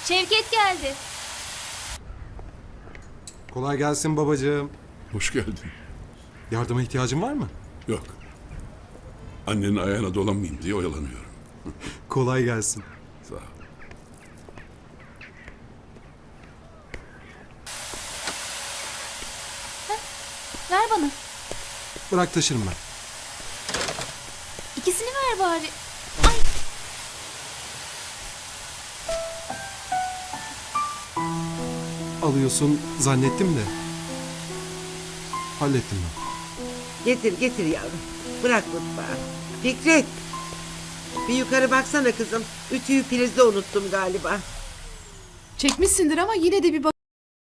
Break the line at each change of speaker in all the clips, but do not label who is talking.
Şevket geldi.
Kolay gelsin babacığım.
Hoş geldin.
Yardıma ihtiyacın var mı?
Yok. Annenin ayağına dolanmayayım diye oyalanıyorum.
Kolay gelsin.
Sağ ol.
Ver bana.
Bırak taşırım ben.
İkisini ver bari. Ay.
Alıyorsun zannettim de. Hallettim ben.
Getir yavrum. Bırak mutfağı. Fikret. Bir yukarı baksana kızım. Ütüyü prizde unuttum galiba.
Çekmişsindir ama yine de bir bak.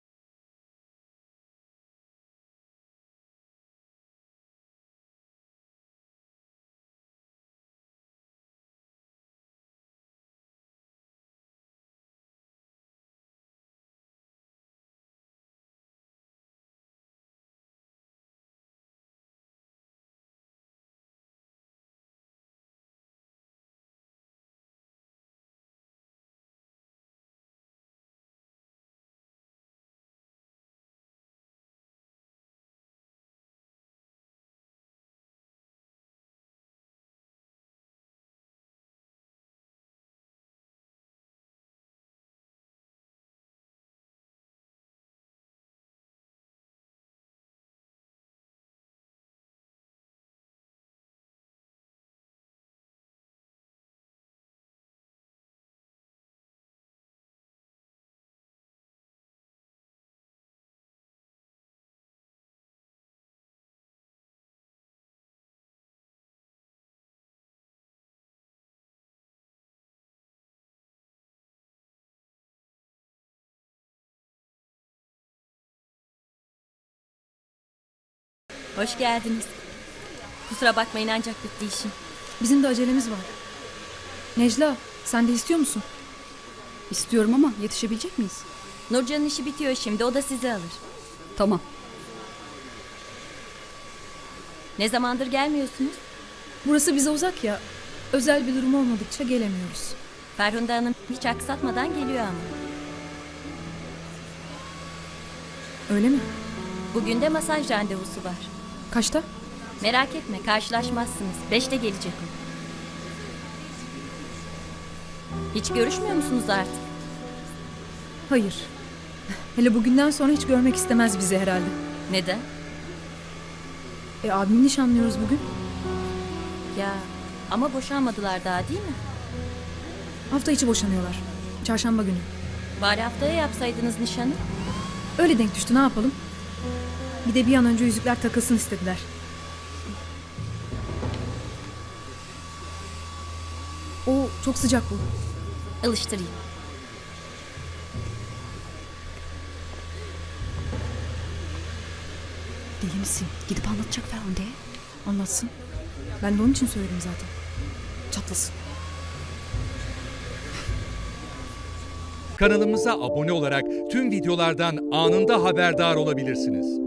Hoş geldiniz. Kusura bakmayın ancak bitti işim.
Bizim de acelemiz var. Necla, sen de istiyor musun?
İstiyorum ama yetişebilecek miyiz?
Nurcan'ın işi bitiyor şimdi, o da sizi alır.
Tamam.
Ne zamandır gelmiyorsunuz?
Burası bize uzak ya. Özel bir durum olmadıkça gelemiyoruz.
Ferhunde Hanım hiç aksatmadan geliyor ama.
Öyle mi?
Bugün de masaj randevusu var.
Kaçta?
Merak etme, karşılaşmazsınız. 5'te gelecek o. Hiç görüşmüyor musunuz artık?
Hayır. Hele bugünden sonra hiç görmek istemez bizi herhalde.
Neden?
Abimi nişanlıyoruz bugün.
Ya ama boşanmadılar daha, değil mi?
Hafta içi boşanıyorlar. Çarşamba günü.
Bari haftaya yapsaydınız nişanı.
Öyle denk düştü, ne yapalım? Bir de bir an önce yüzükler takılsın istediler. O çok sıcak bu.
Alıştırayım.
Deli misin? Gidip anlatacak Ferhunde'ye.
Anlatsın. Ben de onun için söyledim zaten.
Çatlasın.
Kanalımıza abone olarak tüm videolardan anında haberdar olabilirsiniz.